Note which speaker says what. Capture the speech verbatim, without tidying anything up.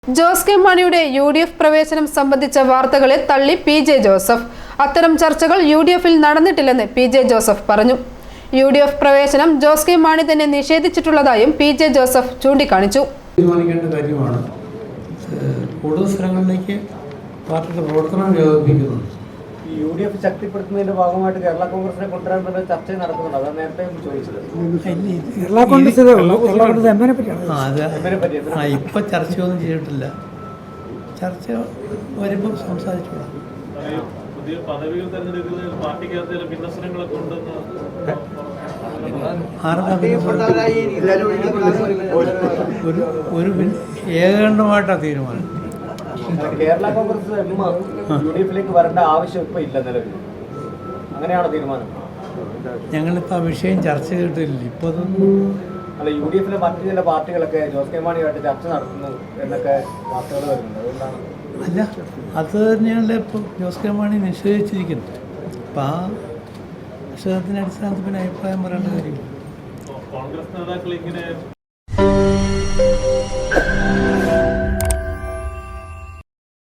Speaker 1: Jose K മാണിയുടെ U D F പ്രവേശനം സംബന്ധിച്ച വാർത്തകളെ തള്ളി പി ജെ ജോസഫ്. അത്തരം ചർച്ചകൾ യു ഡി എഫിൽ നടന്നിട്ടില്ലെന്ന് പി ജെ ജോസഫ് പറഞ്ഞു. യു ഡി എഫ് പ്രവേശനം ജോസ് കെ മാണി തന്നെ നിഷേധിച്ചിട്ടുള്ളതായും പി ജെ ജോസഫ് ചൂണ്ടിക്കാണിച്ചു.
Speaker 2: തീരുമാനിക്കേണ്ട കാര്യമാണ്. കൂടുതൽ സ്ഥലങ്ങളിലേക്ക് പാർട്ടിയുടെ പ്രവർത്തനം വ്യാപിപ്പിക്കുന്നുണ്ട്.
Speaker 3: യു ഡി എഫ് ശക്തിപ്പെടുത്തുന്നതിന്റെ ഭാഗമായിട്ട് കേരള കോൺഗ്രസിനെ കൊണ്ടുവരാൻ വേണ്ട ചർച്ച നടക്കുന്നുണ്ട്. അതാണ് നേരത്തെ ചോദിച്ചത്.
Speaker 2: കേരള കോൺഗ്രസ് ഇപ്പൊ ചർച്ചയൊന്നും ചെയ്തിട്ടില്ല. ചർച്ച വരുമ്പോൾ സംസാരിച്ചോളാം.
Speaker 4: പുതിയ പദവികൾ തെരഞ്ഞെടുക്കുന്നതിൽ പാർട്ടിക്കകത്ത് ഭിന്നസ്വരങ്ങളൊക്കെ ഉണ്ടെന്ന്
Speaker 2: ഒരു ഒരു ഏകകണ്ഠമായിട്ടാണ് തീരുമാനം.
Speaker 3: Kerala Congress M U D എഫിലേക്ക് വരേണ്ട ആവശ്യം ഇപ്പൊ ഇല്ല നിലവിൽ. അങ്ങനെയാണോ തീരുമാനം?
Speaker 2: ഞങ്ങളിപ്പോൾ ആ വിഷയം ചർച്ച ചെയ്തിട്ടില്ല. ഇപ്പോൾ
Speaker 3: അല്ല, യു ഡി എഫിലെ മറ്റു ചില പാർട്ടികളൊക്കെ ജോസ് കെ മാണിയുമായിട്ട് ചർച്ച നടത്തുന്നു എന്നൊക്കെ വാർത്തകൾ വരുന്നുണ്ട്. അതുകൊണ്ടാണ്.
Speaker 2: അല്ല, അത് തന്നെയാണല്ലോ ഇപ്പോൾ ജോസ് കെ മാണി നിഷേധിച്ചിരിക്കുന്നത്. അപ്പം ആ നിഷേധത്തിൻ്റെ അടിസ്ഥാനത്തിൽ പിന്നെ അഭിപ്രായം പറയേണ്ട കാര്യമില്ല.
Speaker 4: കോൺഗ്രസ് നേതാക്കൾ ഇങ്ങനെ